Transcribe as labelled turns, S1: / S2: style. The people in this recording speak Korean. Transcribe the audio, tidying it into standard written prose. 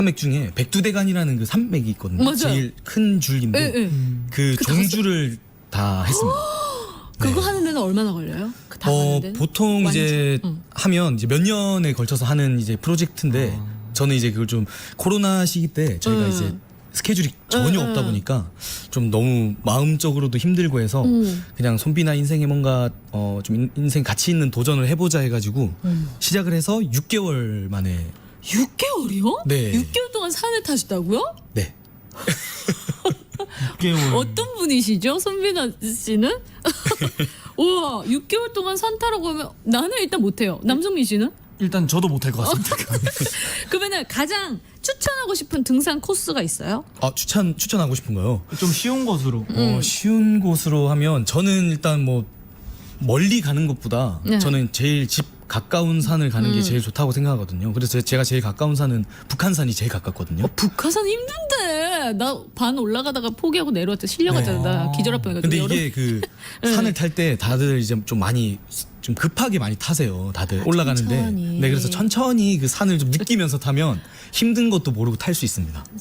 S1: 산맥 중에 백두대간이라는 그 산맥이 있거든요.
S2: 맞아요.
S1: 제일 큰 줄기인데
S2: 예, 예.
S1: 그 종주를 다 했습니다.
S2: 그거
S1: 네.
S2: 하는 데는 얼마나 걸려요? 다 하는 데는?
S1: 보통 이제 하면 이제 몇 년에 걸쳐서 하는 이제 프로젝트인데 저는 이제 그걸 좀 코로나 시기 때 저희가 이제 스케줄이 전혀 없다 보니까 좀 너무 마음적으로도 힘들고 해서 그냥 손비나 인생에 뭔가 좀 인생 가치 있는 도전을 해보자 해가지고 시작을 해서 6개월 만에
S2: 6개월이요?
S1: 네.
S2: 6개월 동안 산을 타셨다고요?
S1: 네.
S3: 6개월.
S2: 어떤 분이시죠? 손빈아 씨는? 우와, 6개월 동안 산 타라고 하면 나는 일단 못해요. 남성민 씨는?
S3: 일단 저도 못할 것 같습니다.
S2: 그러면은 가장 추천하고 싶은 등산 코스가 있어요?
S1: 추천하고 싶은 거요.
S3: 좀 쉬운 것으로.
S1: 쉬운 곳으로 하면 저는 일단 뭐 멀리 가는 것보다
S2: 네.
S1: 저는 제일 집 가까운 산을 가는 게 제일 좋다고 생각하거든요. 그래서 제가 제일 가까운 산은 북한산이 제일 가깝거든요.
S2: 북한산 힘든데 나 반 올라가다가 포기하고 내려왔다 실려갔잖아. 나 기절할 뻔해가지고.
S1: 근데
S2: 여름-
S1: 이게 그 산을 탈 때 다들 이제 좀 많이 좀 급하게 많이 타세요. 다들 올라가는데.
S2: 천천히.
S1: 네, 그래서 천천히 그 산을 좀 느끼면서 타면 힘든 것도 모르고 탈 수 있습니다.